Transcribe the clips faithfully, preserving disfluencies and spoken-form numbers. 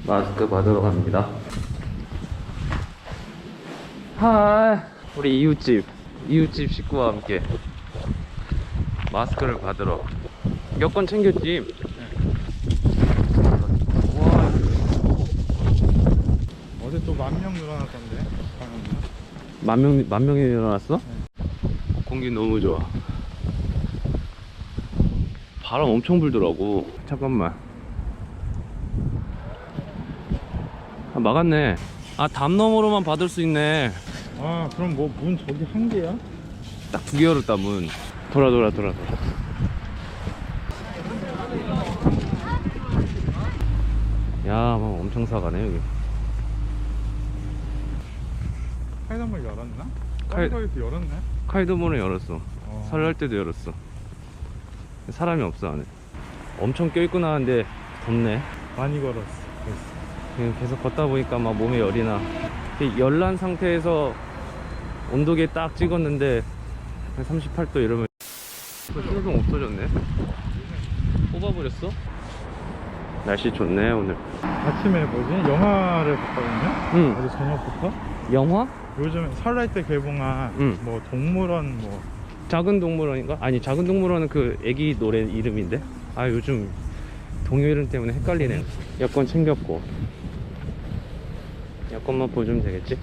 마스크 받으러 갑니다. 하이, 우리 이웃집 이웃집 식구와 함께 마스크를 받으러. 여권 챙겼지? 와, 어제 또 만 명 늘어났던데 방금. 만 명, 만 명이 일어났어? 네. 공기 너무 좋아. 바람 엄청 불더라고. 잠깐만. 아, 막았네. 아, 담 너머로만 받을 수 있네. 아 그럼 뭐 문 저기 한 개야? 딱 두 개 열었다, 문. 돌아 돌아 돌아 돌아. 야, 뭐 엄청 사가네 여기. 카이드문을 열었나? 카이- 카이드에서 열었네. 카이도 문을 열었어. 어. 설날 때도 열었어. 사람이 없어 안에. 엄청 껴있고 나는데 덥네. 많이 걸었어. 그래서. 그냥 계속 걷다 보니까 막 몸에 열이 나. 이렇게 열난 상태에서 온도계 딱 찍었는데 한 삼십팔 도 이러면 신호등 없어졌네. 뽑아버렸어. 날씨 좋네 오늘. 아침에 뭐지? 영화를 봤거든요. 응. 어제 저녁부터. 영화? 요즘 설날 때 개봉한 응. 뭐 동물원 뭐 작은 동물원인가? 아니, 작은 동물원은 그 애기 노래 이름인데. 아, 요즘 동요 이름 때문에 헷갈리네요. 여권 챙겼고 여권만 보여주면 되겠지?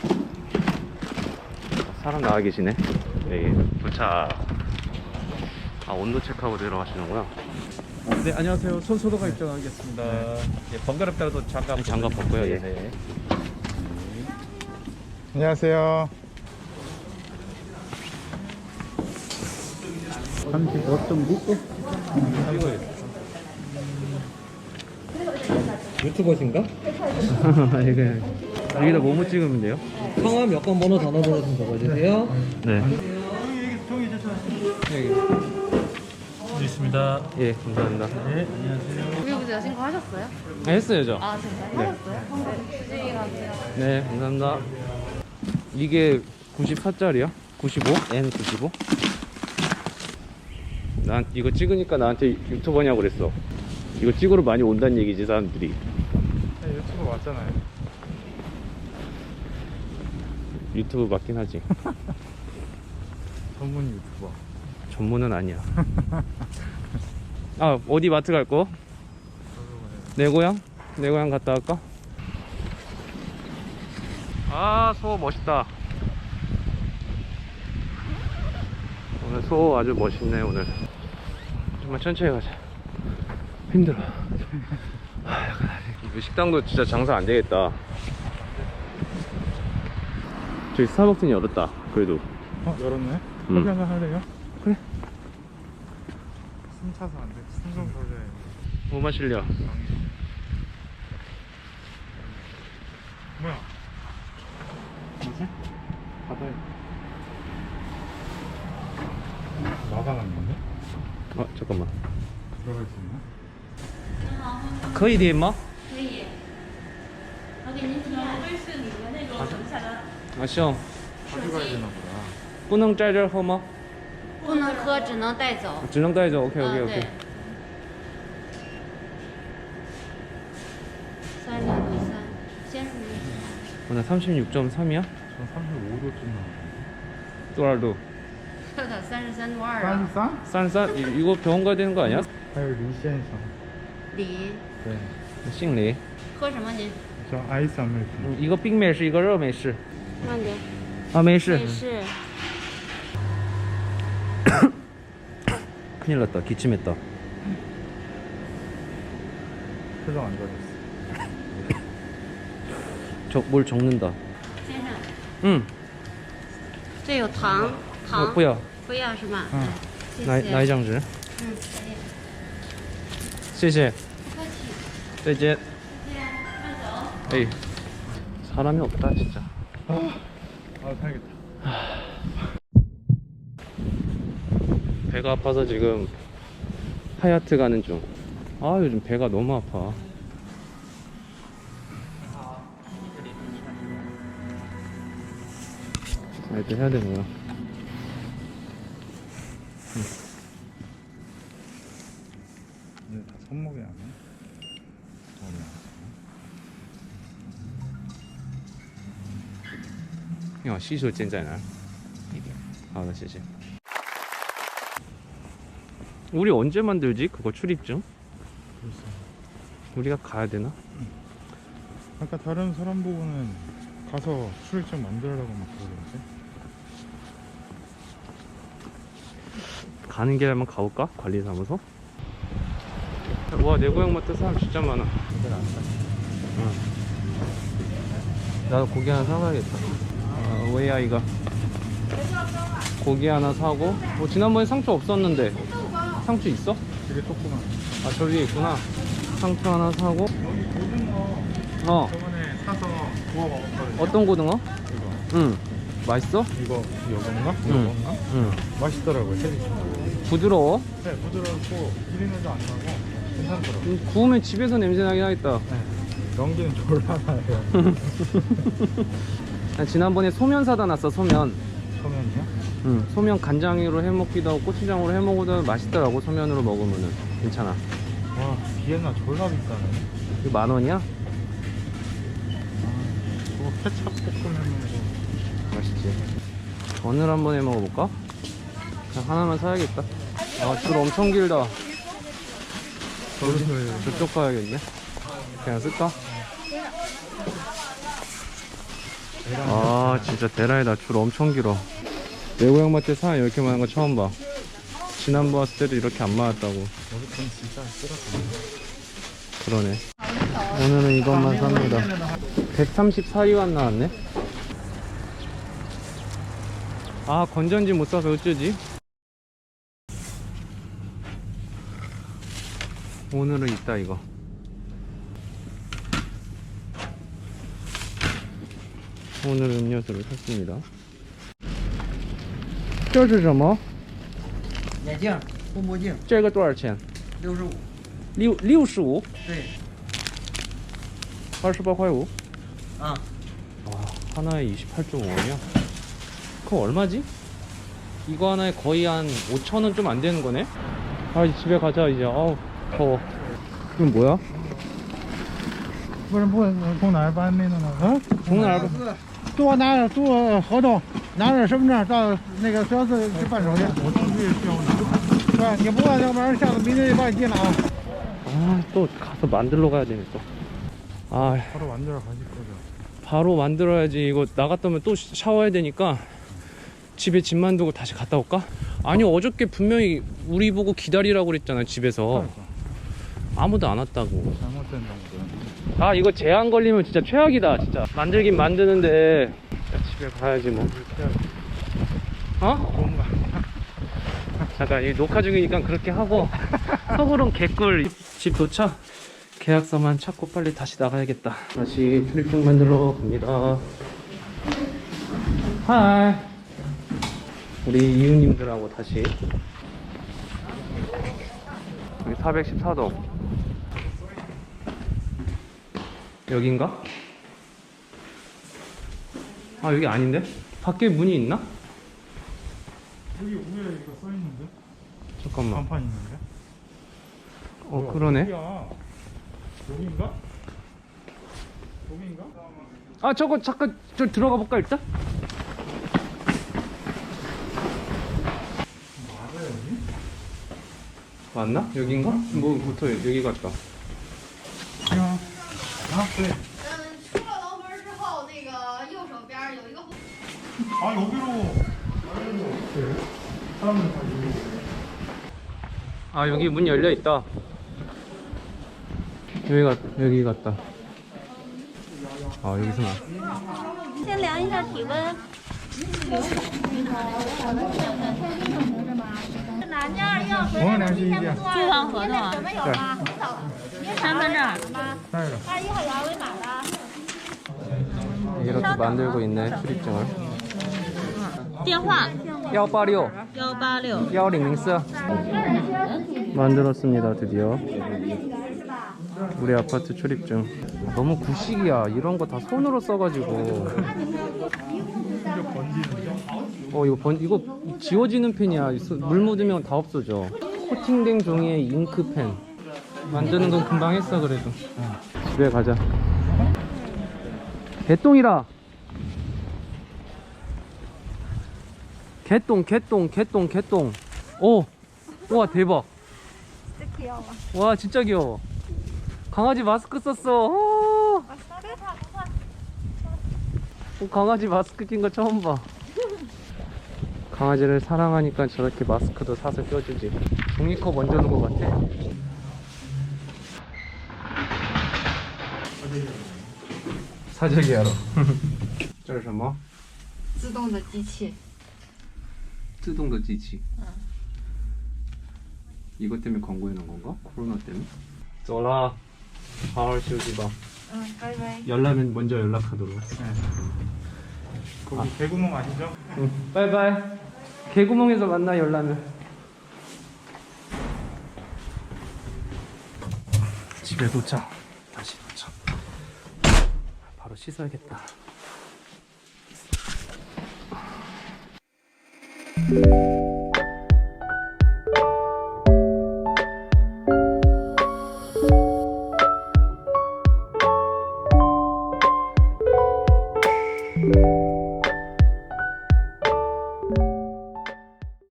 사람 나와 계시네. 여기 도착. 아, 온도 체크하고 내려가시는구나. 네, 안녕하세요. 손소독가 입장하겠습니다. 예, 번거롭더라도 장갑 장갑 벗고요. 예. 네. 안녕하세요. 삼십오 점 구? 유튜버신가? 이거 여기다 뭐뭐 찍으면 돼요? 성함, 여권 번호, 전화번호 좀 적어주세요. 네. 있습니다. 예, 감사합니다. 네, 안녕하세요. 구매부자 신고하셨어요? 아, 했어요, 저. 아 진짜요? 하셨어요? 네. 주진이 가세요. 네, 감사합니다. 이게 구십사 짜리야? 구십오? 엔 구십오? 난 이거 찍으니까 나한테 유튜버냐고 그랬어. 이거 찍으러 많이 온다는 얘기지, 사람들이. 네, 유튜브 왔잖아요. 유튜브 맞긴 하지. 전문 유튜버. 전문은 아니야. 아, 어디 마트 갈 거? 내 고향? 내 고향 갔다 갈까? 아, 소 멋있다. 오늘 소 아주 멋있네. 오늘 정말 천천히 가자. 힘들어. 아, 약간 이 식당도 진짜 장사 안 되겠다. 저기 스타벅스는 열었다. 그래도. 어 열었네. 음. 커피 한잔 할래요? 그래. 숨 차서 안 돼. 숨 좀 돌려야 돼. 뭐 마실려? 뭐야? 뭐지? 바다에 나가놨는데? 아, 잠깐만. 들어갈 수 있나? 可以点吗？ 可以。我给您提安。瑞士里的那种等下来。 啊，行。 가져가야 되나 보다. 不能在这儿喝吗？ 不能喝，只能带走。 只能带走。OK 啊 OK 对 OK。 三零六三，先生您。 어, 나 삼십육 점 삼이야? 전 삼십오 도쯤 나왔는데. 多少度？ 特的三十三度二啊。 싼? 싼 싼? 이- 이거 병원 가야 되는 거 아니야? 还有李先生. 李， 对. 姓李。 喝什么您？ 저 아이스 아메리카노. 음, 이거 빅美式，一个热美式。 慢点。 啊，没事。 没事。 큰일 났다. 기침했다. 표정 안 좋아졌어. 저 뭘 적는다. 先生， 응. 这有糖， 어, 糖。 不要。 不要是吗？ 嗯谢拿谢。 拿一张纸。 嗯，可以。 谢谢。 不客气。 再见. 这样，慢走。 에이. 사람이 없다 진짜. 아, 아 살겠다. 배가 아파서 지금 하얏트 가는 중. 아, 요즘 배가 너무 아파. 아, 이때 해야 되는구나. 근데 다 손목이 안 해. 야, 시소 젠在哪儿? 아, 나谢谢. 우리 언제 만들지? 그거 출입증? 글쎄. 우리가 가야 되나? 아까 다른 사람 보고는 가서 출입증 만들라고 막 그러던데. 가는 길에 한번 가볼까? 관리사무소? 와, 내 고향마트 사람 진짜 많아. 응. 나도 고기 하나 사가야겠다. 아, 왜야 이거? 고기 하나 사고. 뭐 지난번에 상추 없었는데 상추 있어? 되게 조그만. 아, 저기 있구나. 상추 하나 사고. 여기 고등어 어, 저번에 사서 구워 먹었거든요. 어떤 고등어? 이거. 응. 맛있어? 이거 이건가? 응. 이건가? 응. 맛있더라고요. 새리 부드러워? 네, 부드럽고 비린내도 안 나고 괜찮더라고요. 음, 구우면 집에서 냄새 나긴 하겠다. 네. 연기는 졸라 나요. 난 지난번에 소면 사다 놨어, 소면. 소면이요? 응. 소면 간장으로 해 먹기도 하고 고추장으로 해 먹어도 맛있더라고, 소면으로 먹으면은. 괜찮아. 와, 비엔나 졸라 비싸네. 이거 만 원이야? 아, 저거 케찹 볶으면 뭐 맛있지. 전을 한번 해 먹어볼까? 그냥 하나만 사야겠다. 아, 줄 엄청 길다. 저기를 저쪽 가야겠네. 그냥 쓸까? 아, 진짜 대라이다. 줄 엄청 길어. 내 고향마트에 사람 이렇게 많은 거 처음 봐. 지난번 왔을 때도 이렇게 안 많았다고. 여기 돈 진짜 쓰라고. 그러네. 오늘은 이것만 삽니다. 백삼십사 위안 나왔네. 아, 건전지 못 사서 어쩌지? 오늘은 있다 이거. 오늘은 음료수를 샀습니다. 这是什么? 眼镜，护目镜， 这个多少钱? 六十五。 六六十五? 对， 二十八块五? 啊， 와, 하나에 이십팔 점 오 원이야? 그거 얼마지? 이거 하나에 거의 한 오천 원 좀 안 되는 거네? 아, 이제 집에 가자 이제. 아우 더워. 이건 뭐야? 不是不从哪儿搬那个呢？啊， 从哪儿搬？ 多拿点多合同，拿点身份证到那个消费去办手续。我出去需要拿。对，你不办，要不然下次明天就把你进了啊。 아, 또 가서 만들러 가야 되네 또. 아, 바로 만들어 가실 거죠? 바로 만들어야지. 이거 나갔다 오면 또 샤워해야 되니까 집에 짐만 두고 다시 갔다 올까? 아니, 어저께 분명히 우리 보고 기다리라고 그랬잖아, 집에서. 아무도 안 왔다고. 잘못된 정도. 아, 이거 제한 걸리면 진짜 최악이다. 진짜 만들긴 만드는데 야, 집에 가야지 뭐. 어? 좋은 거 아니야? 잠깐, 이 녹화 중이니까 그렇게 하고 속으론 개꿀. 집 도착. 계약서만 찾고 빨리 다시 나가야겠다. 다시 출입증 만들러 갑니다. 하이. 우리 이웃님들하고 다시. 여기 사백십사 동. 여긴가? 아, 여기 아닌데? 밖에 문이 있나? 여기 위에 이거 써 있는데? 잠깐만. 간판 있는데? 어, 뭐야, 그러네. 여기야. 여기인가? 여기인가? 아, 저거 잠깐 저 들어가 볼까 일단? 맞아 여기? 맞나? 여긴가? 뭐부터 여기 같다. 야. 아, 네. 嗯，出了楼门之后，那个右手边有一个。 아, 여기로. 네. 사람들 다 여기로. 아, 여기 문 열려 있다. 여기 같 여기 같다. 아, 여기서 나. 先量一下体温。是哪件要回来提前不多租房合同啊准备有吗？很早， 身份证。 带着。 二十一号有二维码的。 이렇게 만들고 있네, 출입증을. 电话 일팔육 幺八六。 일공零四. 만들었습니다, 드디어. 우리 아파트 출입증. 너무 구식이야. 이런 거 다 손으로 써가지고. 어, 이거 번, 이거 지워지는 펜이야. 물 묻으면 다 없어져. 코팅된 종이에 잉크펜. 만드는 건 금방 했어, 그래도. 집에 가자. 개똥이라. 개똥 개똥 개똥 개똥. 오, 우와 대박. 진짜 귀여워. 와 진짜 귀여워. 강아지 마스크 썼어. 오, 어, 강아지 마스크 낀 거 처음 봐. 강아지를 사랑하니까 저렇게 마스크도 사서 껴주지. 종이컵 얹어 놓은 것 같아. 사재기 하러. 这是什么? 自动的机器。 自动的机器. 이것 때문에 광고해 놓은 건가? 코로나 때문에? 走了，好好休息吧。 嗯，拜拜。 열나면 먼저 연락하도록. 거기 개구멍 아시죠? 응. 바이바이. 개구멍에서 만나 열나면. 집에 도착. 다시 도착. 바로 씻어야겠다.